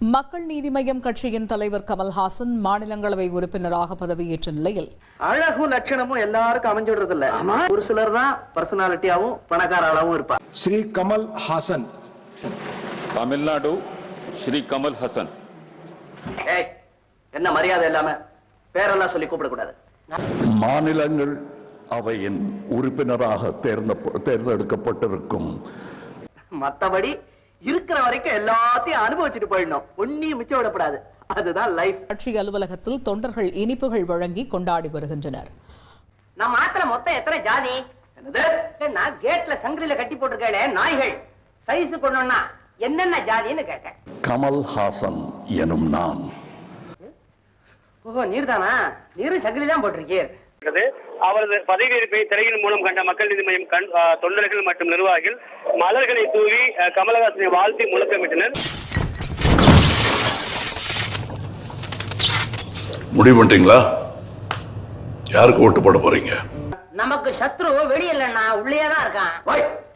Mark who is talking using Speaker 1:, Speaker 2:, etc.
Speaker 1: மக்கள் நீதி மய்யம் கட்சியின் தலைவர் கமல்ஹாசன் மாநிலங்களவை உறுப்பினராக பதவியேற்ற நிலையில்
Speaker 2: அழகும் லட்சணமும் எல்லாருக்கும் அமைஞ்சுடுறது இல்ல. ஒரு சிலர் தான் பர்சனாலிட்டியாவும் பணக்காராவும் இருப்பார்.
Speaker 3: ஸ்ரீ கமல் ஹாசன்,
Speaker 4: தமிழ்நாடு ஸ்ரீ கமல் ஹாசன்.
Speaker 2: என்ன மரியாதை இல்லாம பேரெல்லாம் சொல்லி கூப்பிடக்கூடாது.
Speaker 5: மாநிலங்கள் அவையின் உறுப்பினராக தேர்ந்தெடுக்கப்பட்டிருக்கும்.
Speaker 2: மத்தபடி இருக்கிற வரைக்கும் எல்லாத்தையும் அனுபவிச்சுட்டு போயிடணும். ஒன்னியும் மிச்சம் விடப்படாது. அதுதான் லைஃப்.
Speaker 1: கட்சி அலுவலகத்தில் தொண்டர்கள் இனிப்புகள் வழங்கி கொண்டாடி வருகின்றனர்.
Speaker 2: நம்ம ஆத்துல மொத்தம் எத்தனை ஜாதி? நான் கேட்ல சங்கிலில கட்டி போட்டிருக்கேன். நாய்கள் சைஸ் கொண்டோம்னா என்னென்ன ஜாதின்னு கேட்டேன்.
Speaker 5: கமல் ஹாசன் எனும் நான்.
Speaker 2: ஓஹோ, நீர்தானா? நீரும் சங்கிலி தான் போட்டிருக்கீர்.
Speaker 6: அவரது பதவியேற்பை திரையின் மூலம் கண்ட மக்கள் நீதி மய்யம் தொண்டர்கள் மற்றும் நிர்வாகிகள் மலர்களை தூவி கமலஹாசனை வாழ்த்தி முழக்கமிட்டனர்.
Speaker 5: முடிவு பண்ணிட்டீங்களா? யாருக்கு ஓட்டு போட போறீங்க?
Speaker 2: நமக்கு சத்ரு வெளியிலன்னா உள்ளேதான் இருக்கான்.